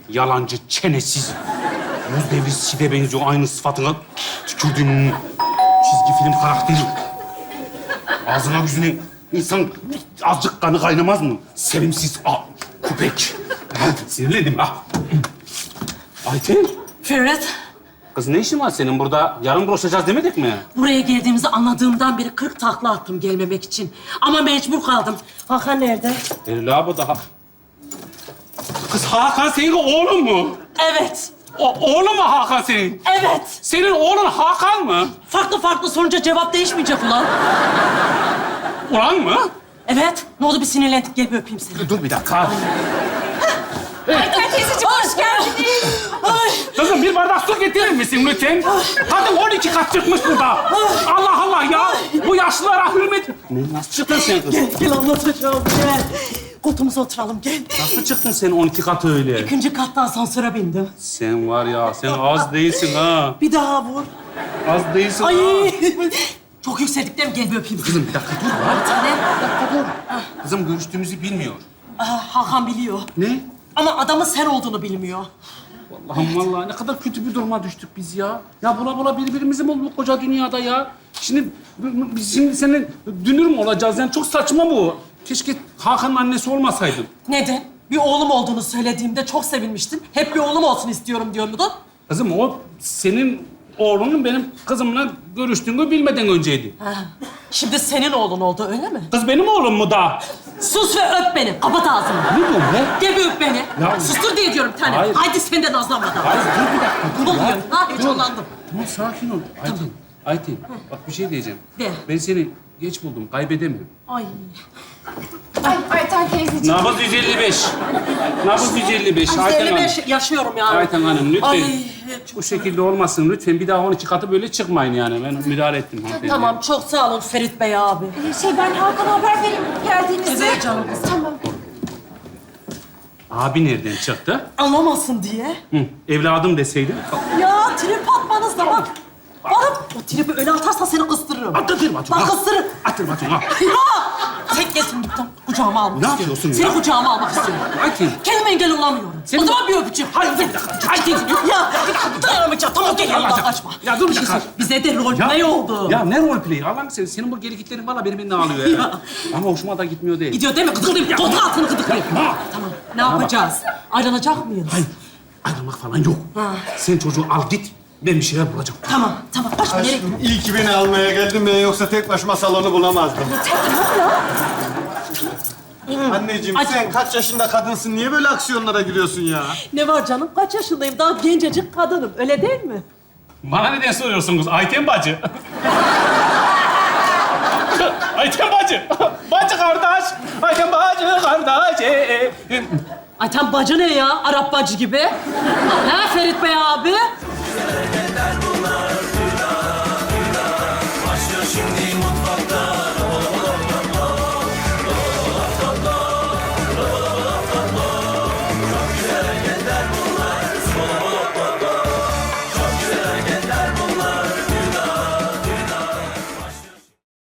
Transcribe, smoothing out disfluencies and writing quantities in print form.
Yalancı, çenesiz. Yüz devri Sid'e benziyor aynı sıfatına. Tükürdüğüm çizgi film karakteri. Ağzına yüzüne insan azıcık kanı kaynamaz mı? Sevimsiz köpek. Sinirlendim ha. Ayten. Ferhat, Kız ne işin var senin burada? Yarın buluşacağız demedik mi? buraya geldiğimizi anladığımdan beri 40 takla attım gelmemek için. Ama mecbur kaldım. Hakan nerede? Bu daha. Kız Hakan senin oğlun mu? Evet, Oğlun mu Hakan senin? evet. Senin oğlun Hakan mı? Farklı sorunca cevap değişmeyecek ulan. Ulan mı? Evet, ne oldu bir sinirlendik. Gel bir öpeyim seni. Dur bir dakika. Ayten teyzeciğim, hoş geldiniz. Ay. Kızım bir bardak su getirir misin lütfen? Kadın 12 kat çıkmış burada. Allah Allah ya. Bu yaşlılara hürmet... Nasıl çıktın sen kız? Gel anlatacağım, gel. Koltuğumuza oturalım, gel. Nasıl çıktın sen 12 kat öyle? 2. katta asansöre bindim. Sen var ya, sen az değilsin ha. Bir daha vur. Az değilsin Ay. ha. Çok yükseldik değil mi? Gel bir öpeyim. Kızım bir dakika dur ya. Bir tane. Kızım görüştüğümüzü bilmiyor. Hakan biliyor. Ne? Ama adamın sen olduğunu bilmiyor. Allah'ım vallahi ne kadar kötü bir duruma düştük biz ya. Ya bula birbirimizi mi bulduk koca dünyada ya? Biz şimdi senin dünür mü olacağız? Yani çok saçma bu. Keşke Hakan'ın annesi olmasaydın. Neden? Bir oğlum olduğunu söylediğimde çok sevinmiştin. Hep bir oğlum olsun istiyorum diyor muydun? Kızım o senin oğlunun benim kızımla görüştüğünü bilmeden önceydi. Ha. Şimdi senin oğlun oldu öyle mi? Kız benim oğlum mu da? Sus ve öp beni. Kapat ağzını. Ne diyorsun be? Gel bir öp beni. Ya- Sustur diye diyorum bir tane. Hayır. Haydi sen de nazlanmadan. Hayır dur bir dakika dur Ne ya. oluyor? Ha, heyecanlandım. Tamam sakin ol. Ayten bak bir şey diyeceğim. De. Ben seni geç buldum kaybedemiyorum. Ay. Ayten teyzeciğim. Nabız 155. Nabız 155. Ayten Hanım. 55 yaşıyorum yani. Ayten Hanım lütfen. Ay, Bu şekilde olmasın lütfen. Bir daha 12 katı böyle çıkmayın yani. Ben müdahale ettim. hanımefendi. tamam çok sağ olun Ferit Bey abi. Ben Hakan'a haber vereyim geldiğinizi. Evet canım kızım. Tamam. Abi nereden çıktı? Anlamasın diye. Hı, evladım deseydin. Ya trip atmanız da bak. Bana o tripi öne atarsan seni kıstırırım. Atır bacım. Bak kıstırırım. Atır bacım ha. Ya! Tek gelsin gittim. Kucağıma almak Ne istiyorum. yapıyorsun Seni ya? kucağıma almak istiyorum. Ayten. Kendime engel olamıyorum. Sen- O zaman bir öpücük. Hayır dur bir dakika. Ayten. Ya bir dakika dayanamayacağım. Tamam gel yanımdan kaçma. Ya dur bir şey dakika. söyle. Bize de roleplay oldu. Ya ne rol play? Allah'ım senin bu geliklerin valla beni ağlıyor ya. Ama hoşuma da gitmiyor değil. Gidiyor değil mi? Gıdıklayayım. Koltuğun altını gıdıklayayım. Yapma. Tamam. Ne yapacağız? Ayrılacak mıyız? Hayır. Ayrılmak falan yok. Sen çocuğu al git. Ben bir şeyler bulacağım. Tamam. Kaçma. Nereye? Aşkım iyi ki beni almaya geldin ben yoksa tek başıma salonu bulamazdım. Anneciğim Ay- sen kaç yaşında kadınsın? Niye böyle aksiyonlara giriyorsun ya? Ne var canım? Kaç yaşındayım? Daha gencecik kadınım. Öyle değil mi? Bana neden soruyorsunuz Ayten bacı? Ayten bacı. Bacı kardeş. Ayten bacı kardeş. Ay tam bacı ne ya? Arap bacı gibi. Ha Ferit Bey abi?